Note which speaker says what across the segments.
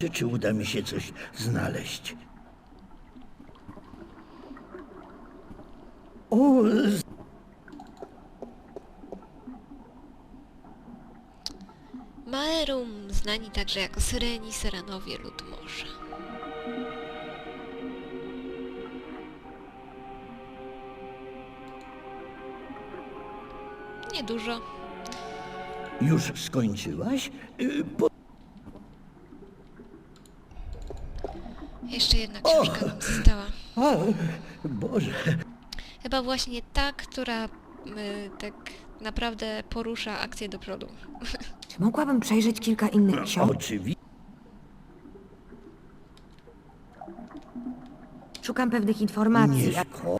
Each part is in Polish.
Speaker 1: Czy uda mi się coś znaleźć? O,
Speaker 2: Maerum, znani także jako Syreni, Syrenowie lud morza. Niedużo.
Speaker 1: już skończyłaś?
Speaker 2: Jeszcze jedna książka nam została.
Speaker 1: A, Boże.
Speaker 2: Chyba właśnie ta, która tak naprawdę porusza akcję do przodu.
Speaker 3: Czy mogłabym przejrzeć kilka innych książek?
Speaker 1: Oczywiście.
Speaker 3: Szukam pewnych informacji.
Speaker 1: Nie szko...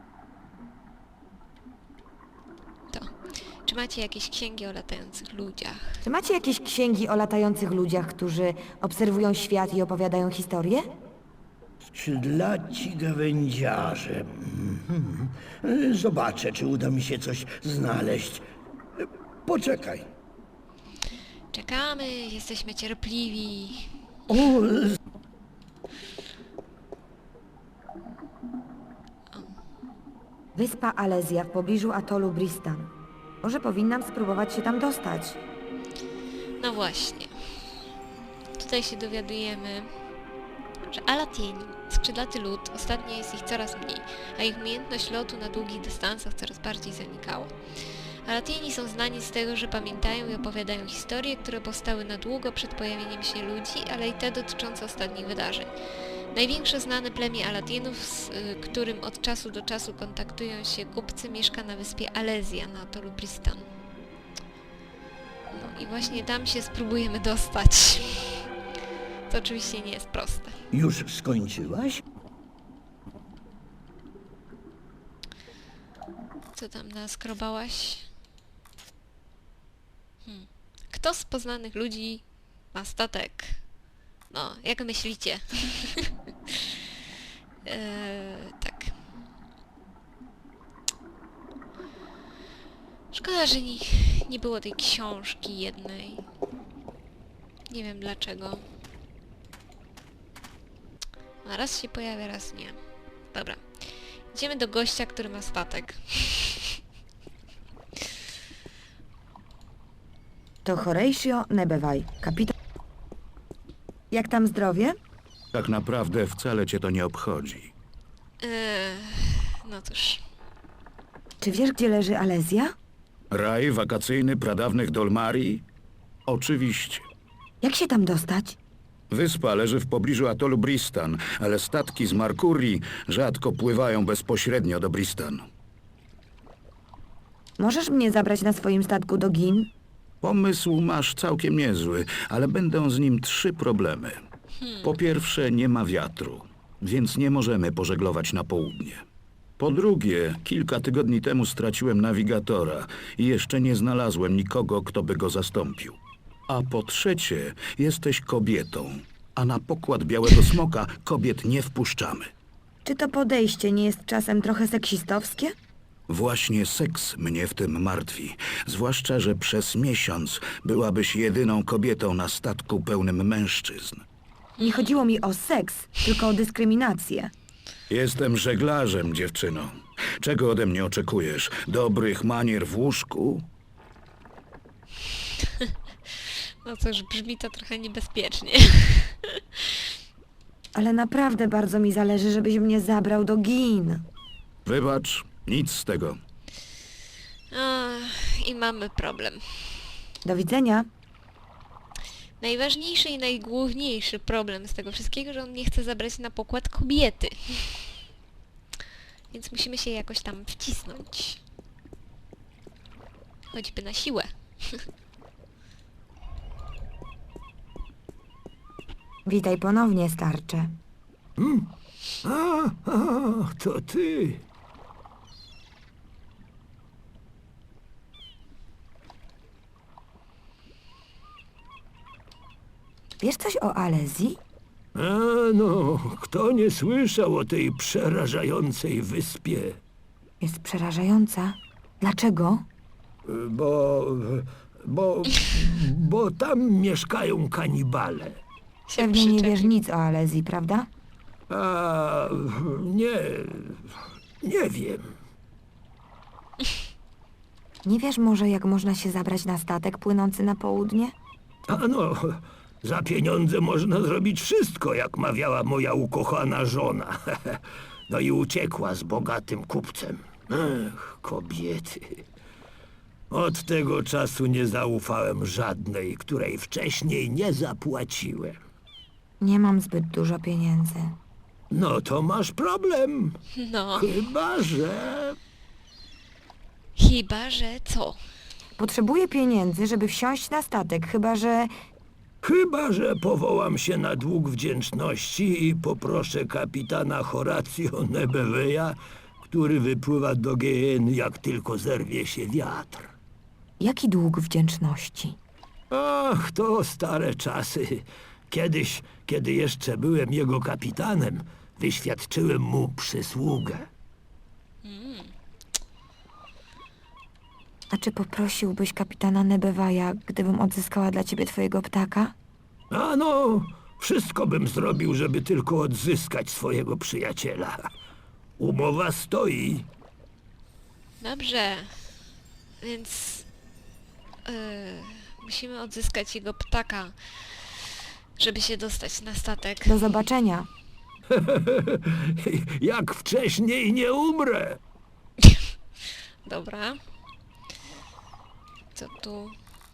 Speaker 2: To. Czy macie jakieś księgi o latających ludziach?
Speaker 3: Czy macie jakieś księgi o latających ludziach, którzy obserwują świat i opowiadają historię?
Speaker 1: Skrzydlaci gawędziarze. Zobaczę, czy uda mi się coś znaleźć. Poczekaj.
Speaker 2: Czekamy, jesteśmy cierpliwi.
Speaker 1: O,
Speaker 3: Wyspa Alezja w pobliżu atolu Bristan. Może powinnam spróbować się tam dostać.
Speaker 2: No właśnie. Tutaj się dowiadujemy, że Alatieni, skrzydlaty lud, ostatnio jest ich coraz mniej, a ich umiejętność lotu na długich dystansach coraz bardziej zanikała. Alatieni są znani z tego, że pamiętają i opowiadają historie, które powstały na długo przed pojawieniem się ludzi, ale i te dotyczące ostatnich wydarzeń. Największe znane plemię Alatienów, z którym od czasu do czasu kontaktują się kupcy, mieszka na wyspie Alezja na atolu Bristan. No i właśnie tam się spróbujemy dostać. To oczywiście nie jest proste.
Speaker 1: już skończyłaś?
Speaker 2: Co tam naskrobałaś? Kto z poznanych ludzi ma statek? No, jak myślicie? Tak. Szkoda, że nie było tej książki jednej. Nie wiem dlaczego. A raz się pojawia, raz nie. Dobra. Idziemy do gościa, który ma statek.
Speaker 3: To Horatio Nebewaj, kapitan... Jak tam zdrowie?
Speaker 4: Tak naprawdę wcale cię to nie obchodzi.
Speaker 2: No cóż.
Speaker 3: Czy wiesz, gdzie leży Alezja?
Speaker 4: Raj wakacyjny pradawnych Dolmarii? Oczywiście.
Speaker 3: Jak się tam dostać?
Speaker 4: Wyspa leży w pobliżu atolu Bristan, ale statki z Markurii rzadko pływają bezpośrednio do Bristan.
Speaker 3: Możesz mnie zabrać na swoim statku do Gin?
Speaker 4: Pomysł masz całkiem niezły, ale będą z nim 3 problemy. Po pierwsze, nie ma wiatru, więc nie możemy pożeglować na południe. Po drugie, kilka tygodni temu straciłem nawigatora i jeszcze nie znalazłem nikogo, kto by go zastąpił. A po trzecie, jesteś kobietą, a na pokład Białego Smoka kobiet nie wpuszczamy.
Speaker 3: Czy to podejście nie jest czasem trochę seksistowskie?
Speaker 4: Właśnie seks mnie w tym martwi, zwłaszcza, że przez miesiąc byłabyś jedyną kobietą na statku pełnym mężczyzn.
Speaker 3: Nie chodziło mi o seks, tylko o dyskryminację.
Speaker 4: Jestem żeglarzem, dziewczyno. Czego ode mnie oczekujesz? Dobrych manier w łóżku?
Speaker 2: No cóż, brzmi to trochę niebezpiecznie.
Speaker 3: Ale naprawdę bardzo mi zależy, żebyś mnie zabrał do Gin.
Speaker 4: Wybacz, nic z tego.
Speaker 2: I mamy problem.
Speaker 3: Do widzenia.
Speaker 2: Najważniejszy i najgłówniejszy problem z tego wszystkiego, że on nie chce zabrać na pokład kobiety. Więc musimy się jakoś tam wcisnąć. Choćby na siłę.
Speaker 3: Witaj ponownie, starcze.
Speaker 5: To ty.
Speaker 3: Wiesz coś o Alezji?
Speaker 5: No, kto nie słyszał o tej przerażającej wyspie?
Speaker 3: Jest przerażająca. Dlaczego?
Speaker 5: Bo tam mieszkają kanibale.
Speaker 2: Się
Speaker 3: Pewnie nie wiesz
Speaker 2: przyczepił.
Speaker 3: nic o Alezji, prawda?
Speaker 5: A nie wiem.
Speaker 3: Nie wiesz może, jak można się zabrać na statek płynący na południe?
Speaker 5: A no, za pieniądze można zrobić wszystko, jak mawiała moja ukochana żona. No i uciekła z bogatym kupcem. Ech, kobiety. Od tego czasu nie zaufałem żadnej, której wcześniej nie zapłaciłem.
Speaker 3: Nie mam zbyt dużo pieniędzy.
Speaker 5: No to masz problem.
Speaker 2: No,
Speaker 5: Chyba, że
Speaker 2: co?
Speaker 3: Potrzebuję pieniędzy, żeby wsiąść na statek,
Speaker 5: Chyba, że powołam się na dług wdzięczności i poproszę kapitana Horatio Nebeweya, który wypływa do GN, jak tylko zerwie się wiatr.
Speaker 3: Jaki dług wdzięczności?
Speaker 5: Ach, to stare czasy. Kiedyś, kiedy jeszcze byłem jego kapitanem, wyświadczyłem mu przysługę.
Speaker 3: A czy poprosiłbyś kapitana Nebeweya, gdybym odzyskała dla ciebie twojego ptaka?
Speaker 5: A no, wszystko bym zrobił, żeby tylko odzyskać swojego przyjaciela. Umowa stoi.
Speaker 2: Dobrze. Więc... musimy odzyskać jego ptaka, żeby się dostać na statek.
Speaker 3: Do zobaczenia.
Speaker 5: Jak wcześniej nie umrę.
Speaker 2: Dobra. Co tu?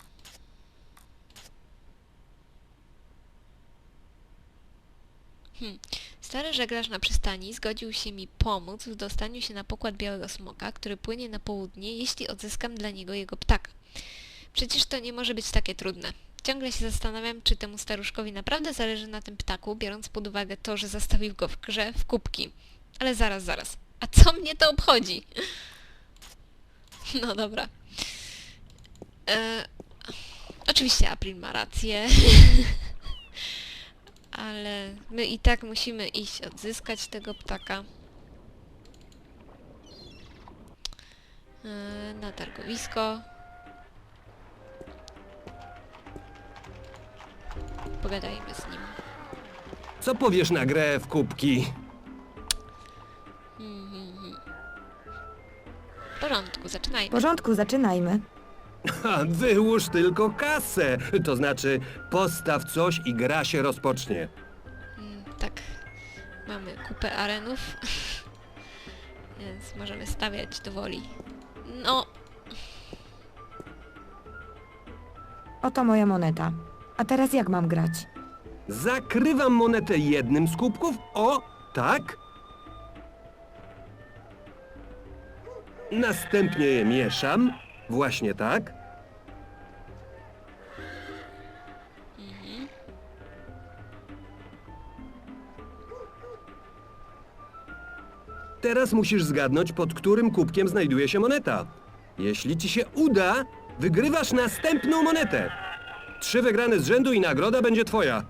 Speaker 2: Stary żeglarz na przystani zgodził się mi pomóc w dostaniu się na pokład Białego Smoka, który płynie na południe, jeśli odzyskam dla niego jego ptaka. Przecież to nie może być takie trudne. Ciągle się zastanawiam, czy temu staruszkowi naprawdę zależy na tym ptaku, biorąc pod uwagę to, że zastawił go w grze w kubki. Ale zaraz. A co mnie to obchodzi? No dobra. Oczywiście April ma rację. Ale my i tak musimy iść odzyskać tego ptaka. Na targowisko. Pogadajmy z nim.
Speaker 6: Co powiesz na grę w kubki?
Speaker 2: W porządku,
Speaker 3: W
Speaker 2: zaczynajmy.
Speaker 3: porządku, zaczynajmy.
Speaker 6: Ha, wyłóż tylko kasę. To znaczy, postaw coś i gra się rozpocznie.
Speaker 2: Tak, mamy kupę arenów, więc możemy stawiać do woli. No,
Speaker 3: Oto moja moneta. A teraz jak mam grać?
Speaker 6: Zakrywam monetę jednym z kubków. O, tak. Następnie je mieszam. Właśnie tak. Teraz musisz zgadnąć, pod którym kubkiem znajduje się moneta. Jeśli ci się uda, wygrywasz następną monetę. 3 wygrane z rzędu i nagroda będzie twoja.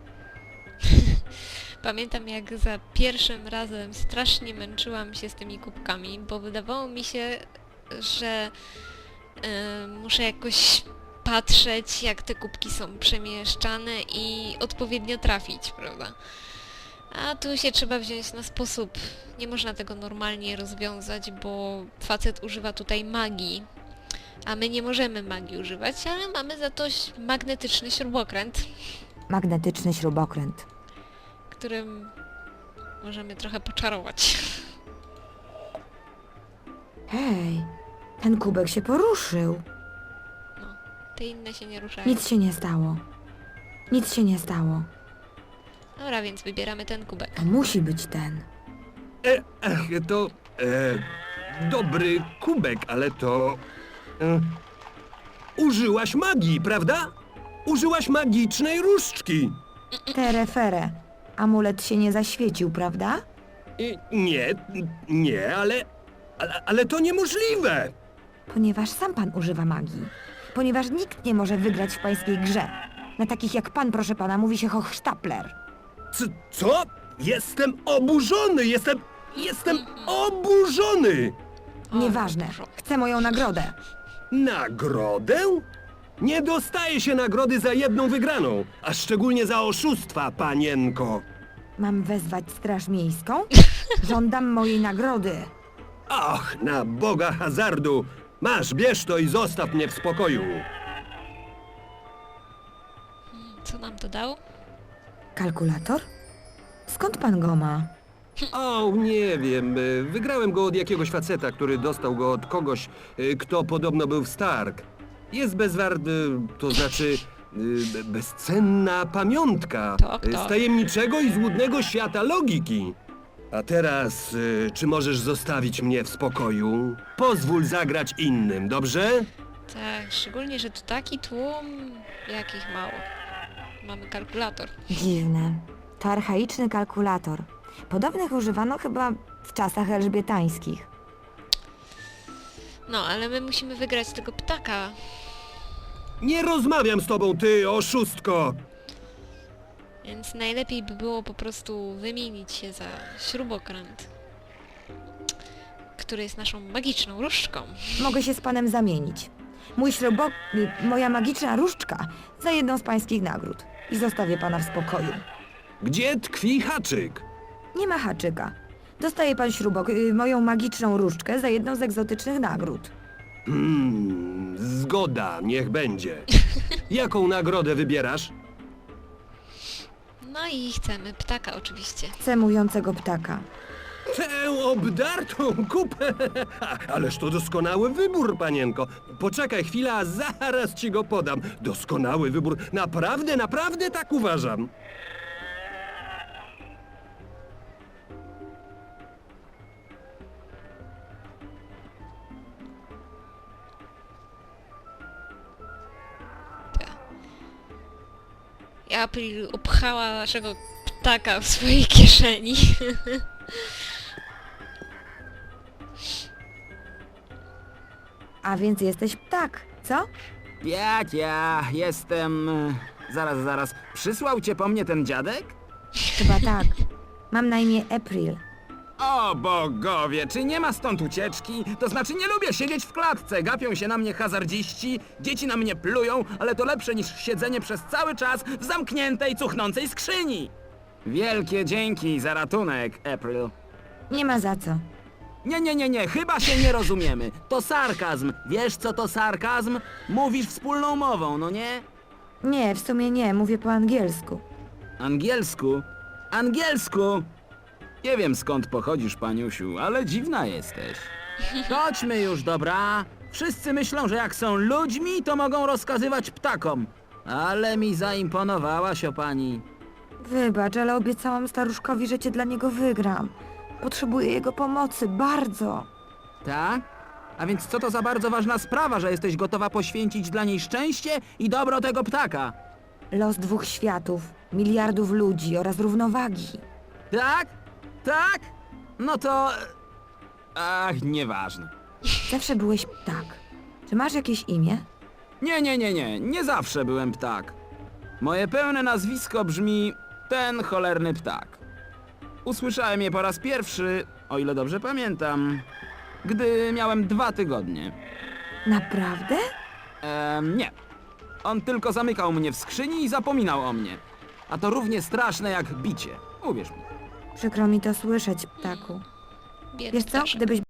Speaker 2: pamiętam jak za pierwszym razem strasznie męczyłam się z tymi kubkami, bo wydawało mi się, że muszę jakoś patrzeć, jak te kubki są przemieszczane i odpowiednio trafić, prawda? A tu się trzeba wziąć na sposób. Nie można tego normalnie rozwiązać, bo facet używa tutaj magii. A my nie możemy magii używać, ale mamy za to magnetyczny śrubokręt,
Speaker 3: Magnetyczny śrubokręt.
Speaker 2: którym możemy trochę poczarować.
Speaker 3: Hej, ten kubek się poruszył.
Speaker 2: No, te inne się nie ruszają.
Speaker 3: Nic się nie stało. Nic się nie stało.
Speaker 2: Dobra, więc wybieramy ten kubek.
Speaker 3: To musi być ten.
Speaker 6: To dobry kubek, ale to... użyłaś magii, prawda? Użyłaś magicznej różdżki.
Speaker 3: Terefere. Amulet się nie zaświecił, prawda?
Speaker 6: Nie, ale to niemożliwe.
Speaker 3: Ponieważ sam pan używa magii. Ponieważ nikt nie może wygrać w pańskiej grze. Na takich jak pan, proszę pana, mówi się Hochstapler.
Speaker 6: Co? Jestem oburzony, jestem oburzony.
Speaker 2: O,
Speaker 3: Nieważne.
Speaker 2: dużo.
Speaker 3: Chcę moją nagrodę.
Speaker 6: Nagrodę? Nie dostaje się nagrody za jedną wygraną, a szczególnie za oszustwa, panienko.
Speaker 3: Mam wezwać straż miejską? Żądam mojej nagrody.
Speaker 6: Ach, na Boga hazardu! Masz, bierz to i zostaw mnie w spokoju.
Speaker 2: Co nam to dał?
Speaker 3: Kalkulator? Skąd pan go ma?
Speaker 6: O, nie wiem. Wygrałem go od jakiegoś faceta, który dostał go od kogoś, kto podobno był w Stark. Jest to znaczy bezcenna pamiątka
Speaker 2: Tak.
Speaker 6: z tajemniczego i złudnego świata logiki. A teraz, czy możesz zostawić mnie w spokoju? Pozwól zagrać innym, dobrze?
Speaker 2: Tak, szczególnie, że tu taki tłum, jakich mało. Mamy kalkulator.
Speaker 3: Dziwne. To archaiczny kalkulator. Podobnych używano chyba w czasach elżbietańskich.
Speaker 2: No, ale my musimy wygrać tego ptaka.
Speaker 6: Nie rozmawiam z tobą, ty oszustko!
Speaker 2: Więc najlepiej by było po prostu wymienić się za śrubokręt, który jest naszą magiczną różdżką.
Speaker 3: Mogę się z panem zamienić. Moja magiczna różdżka za jedną z pańskich nagród. I zostawię pana w spokoju.
Speaker 6: Gdzie tkwi haczyk?
Speaker 3: Nie ma haczyka. Dostaje pan moją magiczną różdżkę za jedną z egzotycznych nagród.
Speaker 6: Zgoda, niech będzie. Jaką nagrodę wybierasz?
Speaker 2: No i chcemy ptaka oczywiście.
Speaker 3: Chcę mówiącego ptaka.
Speaker 6: Tę obdartą kupę! Ależ to doskonały wybór, panienko. Poczekaj chwilę, a zaraz ci go podam. Doskonały wybór. Naprawdę, naprawdę tak uważam.
Speaker 2: April upchała naszego ptaka w swojej kieszeni.
Speaker 3: A więc jesteś ptak, co?
Speaker 7: Jak ja jestem... Zaraz. Przysłał cię po mnie ten dziadek?
Speaker 3: Chyba tak. Mam na imię April.
Speaker 7: O bogowie, czy nie ma stąd ucieczki? To znaczy nie lubię siedzieć w klatce, gapią się na mnie hazardziści, dzieci na mnie plują, ale to lepsze niż siedzenie przez cały czas w zamkniętej, cuchnącej skrzyni. Wielkie dzięki za ratunek, April.
Speaker 3: Nie ma za co.
Speaker 7: Nie, chyba się nie rozumiemy. To sarkazm. Wiesz co to sarkazm? Mówisz wspólną mową, no nie?
Speaker 3: Nie, w sumie nie. Mówię po angielsku.
Speaker 7: Angielsku? Angielsku? Nie wiem skąd pochodzisz, paniusiu, ale dziwna jesteś. Chodźmy już, dobra? Wszyscy myślą, że jak są ludźmi, to mogą rozkazywać ptakom. Ale mi zaimponowałaś, o pani.
Speaker 3: Wybacz, ale obiecałam staruszkowi, że cię dla niego wygram. Potrzebuję jego pomocy, bardzo.
Speaker 7: Tak? A więc co to za bardzo ważna sprawa, że jesteś gotowa poświęcić dla niej szczęście i dobro tego ptaka?
Speaker 3: Los 2 światów, miliardów ludzi oraz równowagi.
Speaker 7: Tak? Tak? No to... Ach, nieważne.
Speaker 3: Zawsze byłeś ptak. Czy masz jakieś imię?
Speaker 7: Nie zawsze byłem ptak. Moje pełne nazwisko brzmi ten cholerny ptak. Usłyszałem je po raz pierwszy, o ile dobrze pamiętam, gdy miałem 2 tygodnie.
Speaker 3: Naprawdę?
Speaker 7: Nie. On tylko zamykał mnie w skrzyni i zapominał o mnie. A to równie straszne jak bicie, uwierz mi.
Speaker 3: Przykro mi to słyszeć, ptaku.
Speaker 2: Biedny
Speaker 3: Wiesz co,
Speaker 2: ptaszek.
Speaker 3: gdybyś